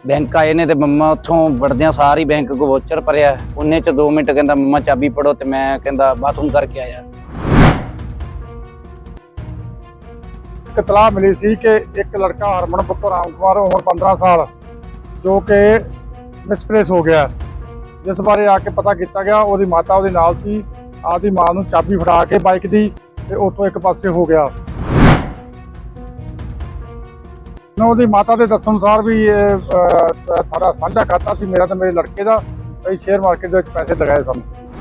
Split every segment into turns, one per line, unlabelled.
Bank आए ने ते मम्मा उत्थों वड़दियां सार ही बैंक को वोचर भरिया उन्ने च 2 मिनट कहंदा मम्मा चाबी पड़ो ते मैं कहंदा बाथरूम करके आया।
एक इतलाह मिली सी कि एक लड़का हरमन पुत्र राम कुमार उम्र 15 साल जो कि मिसप्लेस हो गया, जिस बारे आके पता किया गया। ਉਹਦੀ माता ਉਹਦੇ ਨਾਲ ਸੀ, ਆਪਦੀ ਮਾਂ ਨੂੰ ਚਾਬੀ ਫੜਾ ਕੇ ਬਾਈਕ ਦੀ ਤੇ ਉੱਥੋਂ ਇੱਕ ਪਾਸੇ ਹੋ ਗਿਆ। ਉਹਦੀ ਮਾਤਾ ਦੇ ਦੱਸਣ ਅਨੁਸਾਰ ਵੀ ਇਹ ਸਾਡਾ ਸਾਂਝਾ ਖਾਤਾ ਸੀ, ਮੇਰਾ ਤੇ ਮੇਰੇ ਲੜਕੇ ਦਾ। ਅਸੀਂ ਸ਼ੇਅਰ ਮਾਰਕੀਟ ਦੇ ਵਿੱਚ ਪੈਸੇ ਲਗਾਏ ਸਨ।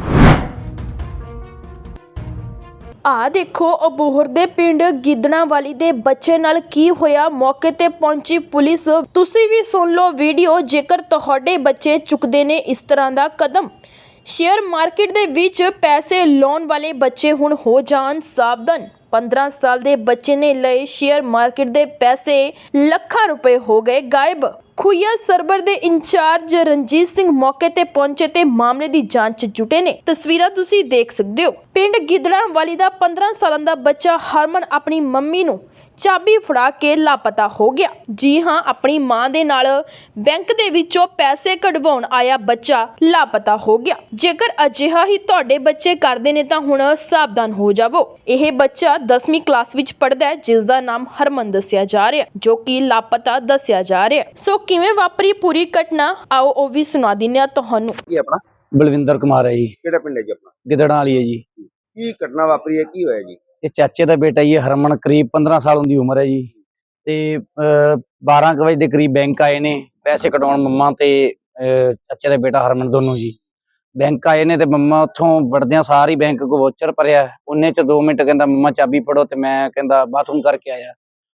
ਆ ਦੇਖੋ ਅਬੋਹਰ ਦੇ ਪਿੰਡ ਗਿੱਦੜਾਂਵਾਲੀ ਦੇ ਬੱਚੇ ਨਾਲ ਕੀ ਹੋਇਆ। ਮੌਕੇ ਤੇ ਪਹੁੰਚੀ ਪੁਲਿਸ। ਤੁਸੀਂ ਵੀ ਸੁਣ ਲਓ ਵੀਡੀਓ। ਜੇਕਰ ਤੁਹਾਡੇ ਬੱਚੇ ਚੁੱਕਦੇ ਨੇ ਇਸ ਤਰ੍ਹਾਂ ਦਾ ਕਦਮ, ਸ਼ੇਅਰ ਮਾਰਕੀਟ ਦੇ ਵਿੱਚ ਪੈਸੇ ਲਾਉਣ ਵਾਲੇ ਬੱਚੇ ਹੁਣ ਹੋ ਜਾਣ ਸਾਵਧਾਨ। 15 ਸਾਲ ਦੇ ਬੱਚੇ ਨੇ ਲਏ ਸ਼ੇਅਰ ਮਾਰਕੀਟ ਦੇ ਪੈਸੇ, ਲੱਖਾਂ ਰੁਪਏ ਹੋ ਗਏ ਗਾਇਬ। ਖੁਈਆ ਸਰਬਰ ਦੇ ਇੰਚਾਰਜ ਰਣਜੀਤ ਸਿੰਘ ਮੌਕੇ ਤੇ ਪਹੁੰਚੇ ਤੇ ਮਾਮਲੇ ਦੀ ਜਾਂਚ ਜੁਟੇ ਨੇ। ਤਸਵੀਰਾਂ ਤੁਸੀਂ ਦੇਖ ਸਕਦੇ ਹੋ। ਪਿੰਡ ਗਿੱਦੜਾਂਵਾਲੀ ਦਾ 15 ਸਾਲਾਂ ਦਾ ਬੱਚਾ ਹਰਮਨ ਆਪਣੀ ਮੰਮੀ ਨੂੰ ਚਾਬੀ ਫੜਾ ਕੇ ਲਾਪਤਾ ਹੋ ਗਿਆ। ਜੀ ਹਾਂ, ਆਪਣੀ ਮਾਂ ਦੇ ਨਾਲ ਬੈਂਕ ਦੇ ਵਿੱਚੋਂ ਪੈਸੇ ਕਢਵਾਉਣ ਆਇਆ ਬੱਚਾ ਲਾਪਤਾ ਹੋ ਗਿਆ। ਜੇਕਰ ਅਜਿਹਾ ਹੀ ਤੁਹਾਡੇ ਬੱਚੇ ਕਰਦੇ ਨੇ ਤਾਂ ਹੁਣ ਸਾਵਧਾਨ ਹੋ ਜਾਵੋ। ਇਹ ਬੱਚਾ 10ਵੀਂ ਕਲਾਸ ਵਿੱਚ ਪੜ੍ਹਦਾ ਹੈ, ਜਿਸ ਦਾ ਨਾਮ ਹਰਮਨ ਦੱਸਿਆ ਜਾ ਰਿਹਾ, ਜੋ ਕਿ ਲਾਪਤਾ ਦੱਸਿਆ ਜਾ ਰਿਹਾ। ਸੋ ਕਿਵੇਂ ਵਾਪਰੀ ਪੂਰੀ ਘਟਨਾ, ਆਓ ਉਹ ਵੀ ਸੁਣਾ ਦਿੰਦੇ ਹਾਂ ਤੁਹਾਨੂੰ।
ਕੀ ਆਪਣਾ
ਬਲਵਿੰਦਰ ਕੁਮਾਰ है जी,
ਕਿਹੜਾ ਪਿੰਡ ਹੈ ਜੀ ਆਪਣਾ?
ਗਿੱਦੜਾਂ ਵਾਲੀ है जी।
ਕੀ ਘਟਨਾ ਵਾਪਰੀ ਹੈ, ਕੀ ਹੋਇਆ ਜੀ?
ये चाचे का बेटा ये हरमन करीब 15 साल की उम्र है जी। ते 12 बजे के करीब बैंक आए ने पैसे कटाउण मम्मा ते चाचे का बेटा हरमन दोनों जी। बैंक आए ने ते मम्मा उत्थों वड़दियां सार ही बैंक को वोचर भरिया उन्ने च 2 मिनट कहंदा मम्मा चाबी पड़ो ते मैं कहंदा बाथरूम करके आया।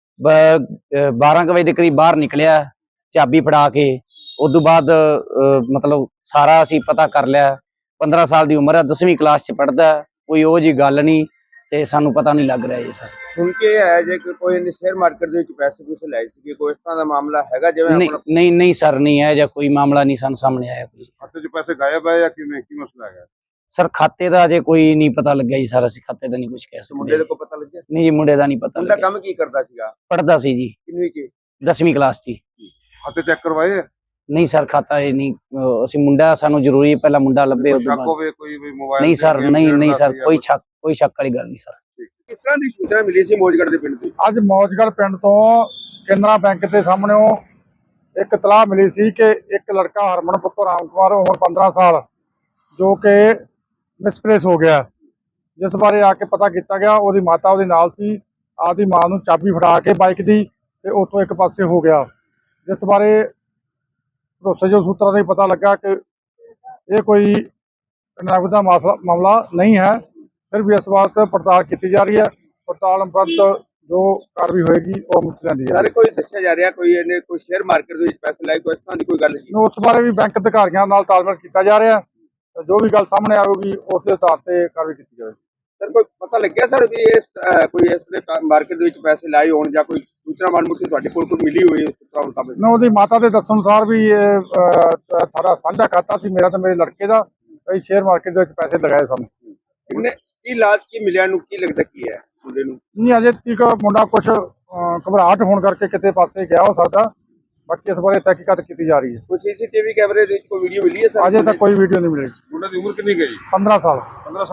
12 बजे के करीब बाहर निकलिया चाबी फड़ा के। उदों बाद मतलब सारा असीं पता कर लिया। 15 साल की उम्र है, 10वीं क्लास च पढ़दा, कोई ਉਹ जी गल नहीं ਤੇ ਸਾਨੂੰ ਪਤਾ ਨਹੀਂ ਲੱਗ ਰਿਹਾ ਜੀ ਸਰ।
ਸੁਣ ਕੇ ਆਇਆ ਜੇ ਕਿ ਕੋਈ ਨੇ ਸ਼ੇਅਰ ਮਾਰਕੀਟ ਦੇ ਵਿੱਚ ਪੈਸੇ ਪੂਸੇ ਲਾਏ ਸੀ, ਕੋਈ ਇਸ ਤਰ੍ਹਾਂ ਦਾ ਮਾਮਲਾ ਹੈਗਾ ਜਿਵੇਂ
ਨਹੀਂ
ਆਪਣਾ
ਨਹੀਂ ਨਹੀਂ ਸਰ, ਨਹੀਂ ਹੈ ਜਾਂ ਕੋਈ ਮਾਮਲਾ ਨਹੀਂ ਸਾਨੂੰ ਸਾਹਮਣੇ ਆਇਆ ਕੋਈ।
ਖਾਤੇ 'ਚ ਪੈਸੇ ਗਾਇਬ ਹੈ ਜਾਂ ਕਿਵੇਂ, ਕੀ ਮਸਲਾ ਹੈਗਾ?
ਸਰ ਖਾਤੇ ਦਾ ਅਜੇ ਕੋਈ ਨਹੀਂ ਪਤਾ ਲੱਗਿਆ ਜੀ ਸਰ, ਅਸੀਂ ਖਾਤੇ ਦਾ ਨਹੀਂ ਕੁਝ ਕਹਿ
ਮੁੰਡੇ
ਸਕਦੇ।
ਦੇ ਕੋ ਪਤਾ ਲੱਗਿਆ?
ਨਹੀਂ ਜੀ, ਮੁੰਡੇ ਦਾ ਨਹੀਂ ਪਤਾ
ਮੁੰਡਾ
ਲੱਗਿਆ।
ਕੰਮ ਕੀ ਕਰਦਾ ਸੀਗਾ?
ਪੜਦਾ ਸੀ ਜੀ,
ਕਿੰਨਵੀਂ ਚ?
10ਵੀਂ ਕਲਾਸ 'ਚ।
ਖਾਤੇ ਚੈੱਕ ਕਰਵਾਏ?
ਨਹੀਂ ਸਰ, ਖਾਤਾ ਇਹ ਨਹੀਂ ਅਸੀਂ ਮੁੰਡਾ, ਸਾਨੂੰ ਜ਼ਰੂਰੀ ਹੈ ਪਹਿਲਾਂ ਮੁੰਡਾ ਲੱਭੇ
ਕੋਈ
ਉਸ ਤੋਂ
ਸ਼ੱਕ
ਬਾਅਦ।
ਹੋਵੇ ਕੋਈ ਵੀ ਮੋਬਾਈਲ
ਨਹੀਂ
ਤੇ
ਸਰ,
game
ਨਹੀਂ ਨਹੀਂ
ਖੇਡਦਾ
ਸਰ,
ਸੀ
ਕੋਈ
ਜਾਂ
ਸ਼ੱਕ ਵਾਲੀ ਗੱਲ ਨਹੀਂ ਸਰ।
ਕਿਸ ਤਰ੍ਹਾਂ ਦੀ ਸੂਚਨਾ ਮਿਲੀ ਸੀ ਮੋਜਗੜ੍ਹ ਦੇ ਪਿੰਡ ਦੀ?
ਅੱਜ ਮੌਜਗੜ੍ਹ ਪਿੰਡ ਤੋਂ ਕੇਨਰਾ ਬੈਂਕ ਦੇ ਸਾਹਮਣੇੋਂ ਇੱਕ ਇਤਲਾਹ ਮਿਲੀ ਸੀ ਕਿ ਇੱਕ ਲੜਕਾ ਹਰਮਨ ਪੁੱਤਰ ਰਾਮ ਕੁਮਾਰ ਉਮਰ 15 ਸਾਲ ਜੋ ਕਿ ਮਿਸਪਲੇਸ ਹੋ ਗਿਆ, ਜਿਸ ਬਾਰੇ ਆ ਕੇ ਪਤਾ ਕੀਤਾ ਗਿਆ। ਉਹਦੀ ਮਾਤਾ ਉਹਦੇ ਨਾਲ ਸੀ, ਆਪਦੀ ਮਾਂ ਨੂੰ ਚਾਬੀ ਫੜਾ ਕੇ ਬਾਈਕ ਦੀ ਤੇ ਉੱਥੋਂ ਇੱਕ ਪਾਸੇ ਹੋ ਗਿਆ, ਜਿਸ ਬਾਰੇ ਭਰੋਸੇਯੋਗ ਸੂਤਰਾਂ ਤੋਂ ਪਤਾ ਲੱਗਾ ਕਿ ਇਹ ਕੋਈ ਨਗਦ ਦਾ ਮਾਮਲਾ ਨਹੀਂ ਹੈ। ਫਿਰ ਵੀ ਇਸ ਬਾਤ ਪੜਤਾਲ ਕੀਤੀ ਜਾ ਰਹੀ ਹੈ। ਪੜਤਾਲ ਉਪਰੰਤ ਜੋ ਕਾਰਵਾਈ ਹੋਏਗੀ ਉਹ ਮੁੱਕ ਜਾਂਦੀ ਹੈ।
ਸਾਰੇ ਕੋਈ ਦੱਸਿਆ ਜਾ ਰਿਹਾ ਕੋਈ ਇਹਨੇ ਕੋਈ ਸ਼ੇਅਰ ਮਾਰਕੀਟ ਦੇ ਵਿੱਚ ਪੈਸੇ ਲਾਏ, ਕੋਈ ਇਸ ਤਰ੍ਹਾਂ ਦੀ ਕੋਈ ਗੱਲ ਨਹੀਂ?
ਉਸ ਬਾਰੇ ਵੀ ਬੈਂਕ ਅਧਿਕਾਰੀਆਂ ਨਾਲ ਤਾਲਮੇਲ ਕੀਤਾ ਜਾ ਰਿਹਾ ਹੈ। ਜੋ ਵੀ ਗੱਲ ਸਾਹਮਣੇ ਆਵੇਗੀ ਉਸ ਦੇ ਆਧਾਰ ਤੇ ਕਾਰਵਾਈ ਕੀਤੀ ਜਾਵੇਗੀ।
ਸਰ ਕੋਈ ਪਤਾ ਲੱਗਿਆ ਸਰ ਵੀ ਇਸ ਕੋਈ ਇਸ ਤਰ੍ਹਾਂ ਮਾਰਕੀਟ ਦੇ ਵਿੱਚ ਪੈਸੇ ਲਾਏ ਹੋਣ ਜਾਂ ਕੋਈ ਸੂਚਨਾ ਮਾਲੂਮਾਤ ਤੁਹਾਡੇ ਕੋਲ ਕੋਈ ਮਿਲੀ ਹੋਈ ਉਸ ਤਰ੍ਹਾਂ ਮੁਤਾਬਕ?
ਉਹਦੀ ਮਾਤਾ ਦੇ ਦੱਸਣ ਅਨੁਸਾਰ ਵੀ ਇਹ ਸਾਡਾ ਸਾਂਝਾ ਖਾਤਾ ਸੀ, ਮੇਰਾ ਤੇ ਮੇਰੇ ਲੜਕੇ ਦਾ। ਅਸੀਂ ਸ਼ੇਅਰ ਮਾਰਕੀਟ ਦੇ ਵਿੱਚ ਪੈਸੇ ਲਗਾਏ ਸਨ।
ਇਹਨੇ ਕੀ ਲਾਜ ਕੀ ਮਿਲਿਆ ਨੂੰ, ਕੀ ਲੱਗਦਾ ਕੀ ਹੈ ਮੁੰਡੇ ਨੂੰ?
ਨਹੀਂ, ਅਜੇ ਤੱਕ ਮੁੰਡਾ ਕੁਝ ਘਬਰਾਹਟ ਹੋਣ ਕਰਕੇ ਕਿਤੇ ਪਾਸੇ ਗਿਆ ਹੋ ਸਕਦਾ। ਬਾਕੀ ਇਸ ਬਾਰੇ ਤਹਿਕੀਕਾਤ ਕੀਤੀ ਜਾ ਰਹੀ ਹੈ।
ਕੋਈ ਸੀਸੀਟੀਵੀ ਕੈਮਰੇ ਦੇ ਵਿੱਚ ਕੋਈ ਵੀਡੀਓ ਮਿਲੀ ਹੈ ਸਰ?
ਅਜੇ ਤੱਕ ਕੋਈ ਵੀਡੀਓ ਨਹੀਂ ਮਿਲੀ।
ਮੁੰਡੇ ਦੀ ਉਮਰ ਕਿੰਨੀ ਹੈ ਜੀ?
15 ਸਾਲ।
15